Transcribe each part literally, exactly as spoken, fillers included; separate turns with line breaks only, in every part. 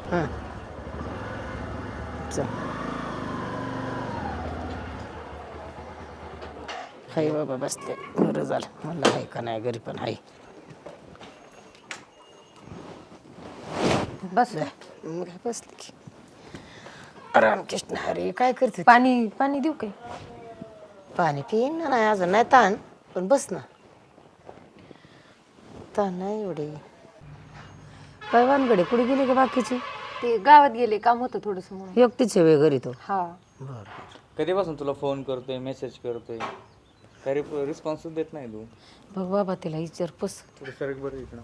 हां चल हाय बाबा बसले बरं झालं म्हणलं आहे का नाही घरी पण आहे
बस
मग बसले की रामकृष्ण हरे काय करते
पाणी पाणी देऊ काय?
पाणी पिईन ना नाही अजून नाही ताण पण बस ना ताण नाही एवढे काय वानगडे कुठे गेले का बाकीचे
ते गावात गेले काम होतं थोडस म्हणून.
एकटीच आहे घरी तो
हा
बरं
कधीपासून तुला फोन करतोय मेसेज करतोय काही रिस्पॉन्सच देत नाही तू.
बघ बाबा तिला विचार पस
थोडं सरक बरं इकडं.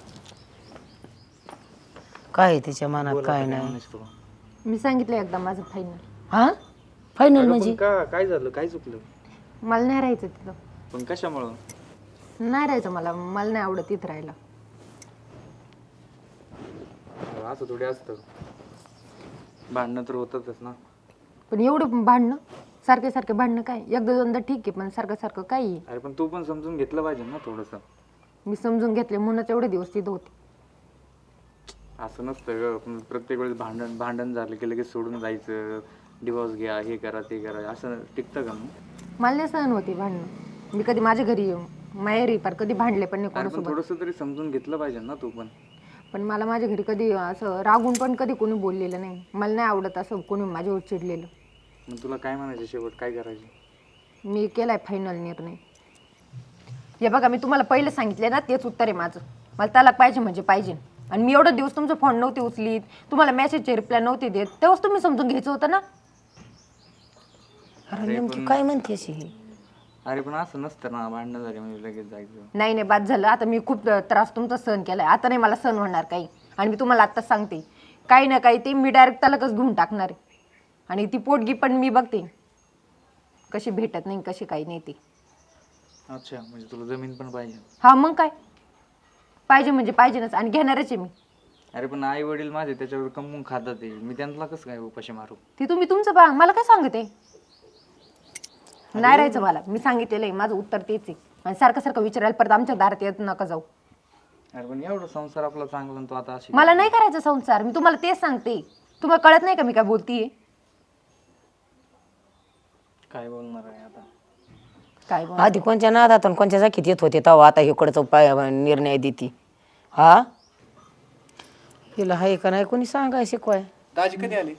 काय आहे तिच्या मनात
बोला
काय
आता
नाही
म्हणायचं तुला.
मी सांगितलं एकदा माझं फायनल.
हा फायनल
अगं
म्हणजे
पण का काय झालं काय चुकलं
मला नाही राहायचं तिथं.
पण कशामुळं
नाही राहायचं मला मला नाही आवडत तिथं राहायला.
असं थोडी असतं भांडणं तर होतातच ना.
पण एवढं भांडणं सारखे सारखे भांडणं काय एकदा दोनदा ठीक आहे पण सारखं सारखं काय आहे?
अरे पण तू पण समजून घेतलं पाहिजे ना थोडंसं.
मी समजून घेतले म्हणूनच एवढे दिवस तिथं होते.
असं नसतं ग पण प्रत्येक वेळेस भांडण भांडण झालं की लगेच सोडून जायचं डिवोर्स घ्या हे करा ते करा असं टिकतं का मग.
मला नाही सहन होती भांडणं. मी कधी माझ्या घरी माहेरी पार कधी भांडले पण नाही
अरे पण
कोणासोबत.
थोडंसं तरी समजून घेतलं पाहिजे ना तू पण.
पण मला माझ्या घरी कधी असं रागून पण कधी कोणी बोललेलं नाही. मला नाही आवडत असं कोणी माझ्यावर चिडलेलं.
मग तुला काय म्हणायचं शेवट काय करायचं.
मी केलाय फायनल निर्णय. हे बघा मी तुम्हाला पहिले सांगितले ना तेच उत्तर आहे माझं. मला तलाक पाहिजे म्हणजे पाहिजे. आणि मी एवढा दिवस तुमचा फोन नव्हते उचलीत तुम्हाला मेसेजचे रिप्लाय नव्हते देत तेव्हाच तुम्ही समजून घ्यायचं होतं ना.
अरे नेमकी काय म्हणते अशी ही
अरे पण असं नसतं ना भांडणं झाली म्हणजे लगेच जायचं.
नाही नाही बाद झालं आता मी खूप त्रास तुमचा सहन केलाय आता नाही मला सहन होणार काही. आणि मी तुम्हाला आत्ताच सांगते काही ना काही ते मी डायरेक्ट तलाकच घेऊन टाकणार आहे. आणि ती पोटगी पण मी बघते कशी भेटत नाही कशी काही नाही ती.
अच्छा म्हणजे तुला जमीन पण पाहिजे.
हा मग काय पाहिजे म्हणजे पाहिजेच आणि घेणारच आहे मी.
अरे पण आई वडील माझे त्याच्यावर कमवून खातात ते मी त्यांना कसं काय उपाशी मारू.
ती तुम्ही तुमचं बा मला काय सांगते नाही राहायचं मला. मी सांगितलेलं आहे माझं उत्तर तेच आहे. आणि सारखं सारखं विचारायला परत आमच्या दारात येत नका जाऊ.
अरे पण एवढं संसार आपला चांगला तो आता अशी
मला नाही करायचा संसार. मी तुम्हाला तेच सांगते. तुम्हाला कळत नाही का मी काय बोलतीये.
काय बोलणार आहे आता.
काय बोल
आधी कोणच्या नादात आणि कोणच्या जाकीत येत होते तेव्हा आता इकडचा उपाय निर्णय देते हा हिला हाय का नाही कोणी सांगाय शिकवाय.
दाजी कधी आली?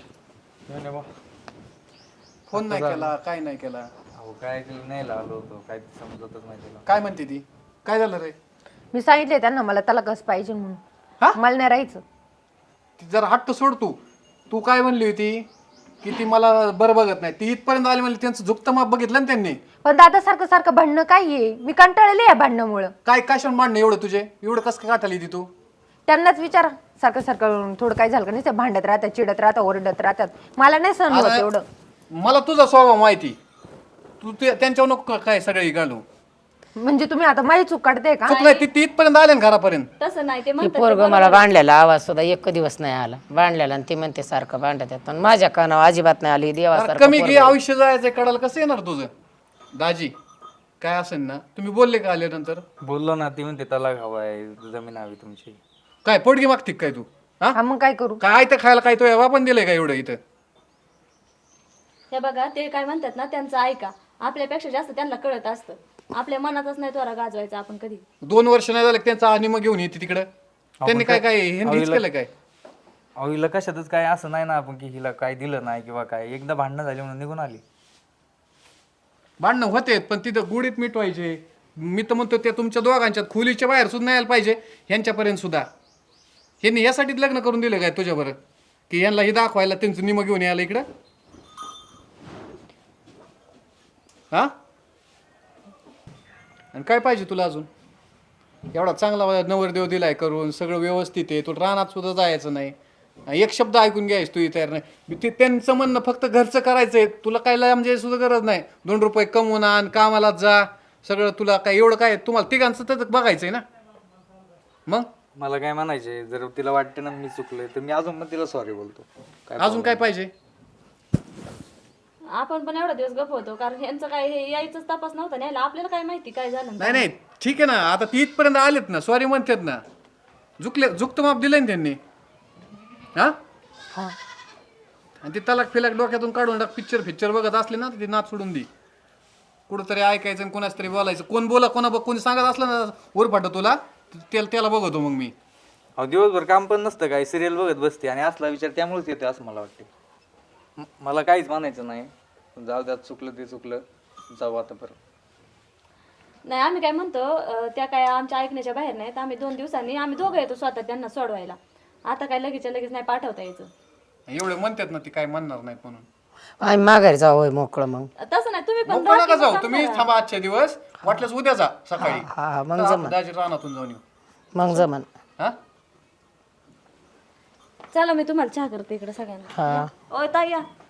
फोन नाही केला काय नाही केला.
अहो काय केलं नाही आलो होतो काय समजतच नाही तुला.
काय म्हणते ती? काय झालं रे?
मी सांगितले त्यांना मला त्याला कस पाहिजे
हा?
म्हणून. मला नाही राहायचं.
ती जरा हट्ट सोड तू. तू काय म्हणली होती की ती मला बरं बघत नाही. ती इथपर्यंत आली म्हणली त्यांचं झुकतं माप बघितलं ना त्यांनी.
पण दादा सारखं सारखं भांडणं काय आहे. मी कंटाळले या भांडणामुळं.
काय कशाला मांडणं एवढं तुझे एवढं कसं काय काटाली ती तू?
त्यांनाच विचारा सारखं सारखं थोडं काय झालं का नाही ते भांडत राहतात चिडत राहतात ओरडत राहतात. मला नाही सहन होत
आता
एवढं.
मला तुझा स्वभाव माहिती. तू ते त्यांच्यावर नको काय सगळे घालू.
म्हणजे तुम्ही आता माझी चूक काढते का.
चुकलंय ती ती इथपर्यंत आले ना घरापर्यंत.
तसं नाही ते
ती
म्हणतात
पोरग मला भांडलेला आवाज सुद्धा एक दिवस नाही आला भांडलेला आणि ती म्हणते सारखं भांडत आहेत पण माझ्या कानावर अजिबात नाही आली
अरे
देवासारखं
कमी
पोरगं
घे
आहे.
आयुष्य जायचं कडाल कसं येणार तुझं दाजी काय असेल ना. तुम्ही बोलले का आल्यानंतर?
बोललो ना ती म्हणते तलाक हवाय जमीन हवी तुमची.
काय पोटगी मागते काय तू? हा
हा मग काय करू.
काय तर खायला काय तो एव्हा पण दिलंय का एवढं इथं?
हे बघा ते काय म्हणतात ना त्यांचं ऐका आपल्यापेक्षा जास्त त्यांना कळत असतं. आपल्या मनातच नाही त्वरा गाजवायचा आपण कधी.
दोन वर्ष नाही झालं की त्यांचा आणि मग घेऊन येते तिकडं. त्यांनी काय काय हेच केलं काय?
अहो हिला कशातच काय असं नाही ना आपण की हिला काय दिलं नाही किंवा काय एकदा भांडणं झाली म्हणून निघून आली.
भांडणं होते पण तिथं गुडीत मिटवायचे. मी तर म्हणतो त्या तुमच्या दोघांच्यात खोलीच्या बाहेर सुद्धा यायला पाहिजे ह्यांच्यापर्यंत सुद्धा. ह्यांनी यासाठीच लग्न करून दिलं काय तुझ्याबरोबर की यांना हे दाखवायला त्यांचं निम घेऊन यायला इकडं. हा आणि काय पाहिजे तुला अजून? एवढा चांगला नवरदेव दिलाय करून सगळं व्यवस्थित आहे. तुला रानात सुद्धा जायचं नाही. एक शब्द ऐकून घ्यायच तू तयार नाही. ते त्यांचं म्हणणं फक्त घरचं करायचंय. तुला काय म्हणजे सुद्धा गरज नाही. दोन रुपये कमवून आण कामाला जा सगळं तुला काय एवढं काय तुम्हाला तिघांचं तर बघायचंय ना. मग
मला काय म्हणायचे जर तिला वाटतं ना मी चुकलोय तर मी अजून पण तिला सॉरी बोलतो.
अजून काय पाहिजे?
आपण पण एवढा दिवस गप होतो कारण यांचं काय हे यायचंच तपास नव्हता न्यायला आपल्याला काय माहिती काय झालं.
नाही नाही ठीक आहे ना. आता ती इथपर्यंत आलेत ना सॉरी म्हणतात ना. झुकले झुकतं माप दिलंय ना त्यांनी. हा
हा
आणि ती तलाक फिलाक डोक्यातून काढून टाक. पिक्चर पिक्चर बघत असले ना तर ती नाच सोडून दे. कुठंतरी ऐकायचं आणि कोणाच तरी बोलायचं. कोण बोला कोणा कोणी सांगत असलं ना उरफाट तुला त्याला त्याला बघतो मग मी.
अहो दिवसभर काम पण नसतं काय, सिरियल बघत बसते आणि असला विचार त्यामुळेच येतो असं मला वाटते. म- मला काहीच म्हणायचं नाही, जाऊ द्यात, चुकलं ते चुकलं, जाऊ आता परत.
नाही आम्ही काय म्हणतो अं, त्या काय आमच्या ऐकण्याच्या बाहेर नाहीत. आम्ही दोन दिवसांनी आम्ही दोघं येतो स्वतः त्यांना सोडवायला. आता काय लगेच लगेच नाही पाठवता यायचं.
एवढे म्हणतात ना ती काय म्हणणार नाही म्हणून.
आम्ही माघारी जाऊ होय मोकळं मग.
तसं नाही तुम्ही पण
नको
राहा
नका
की
जाऊ
मग
तुम्ही,
थांबा.
थांबा आजच्या दिवस. वाटल्यास उद्या जा सकाळी.
हा हा मग
तर
जमन
आपण दाजी रानातून जाऊन येऊ.
मग जमन.
हा
चला मी तुम्हाला चहा करते इकडे सगळ्यांना.
हा
ओ ताई या.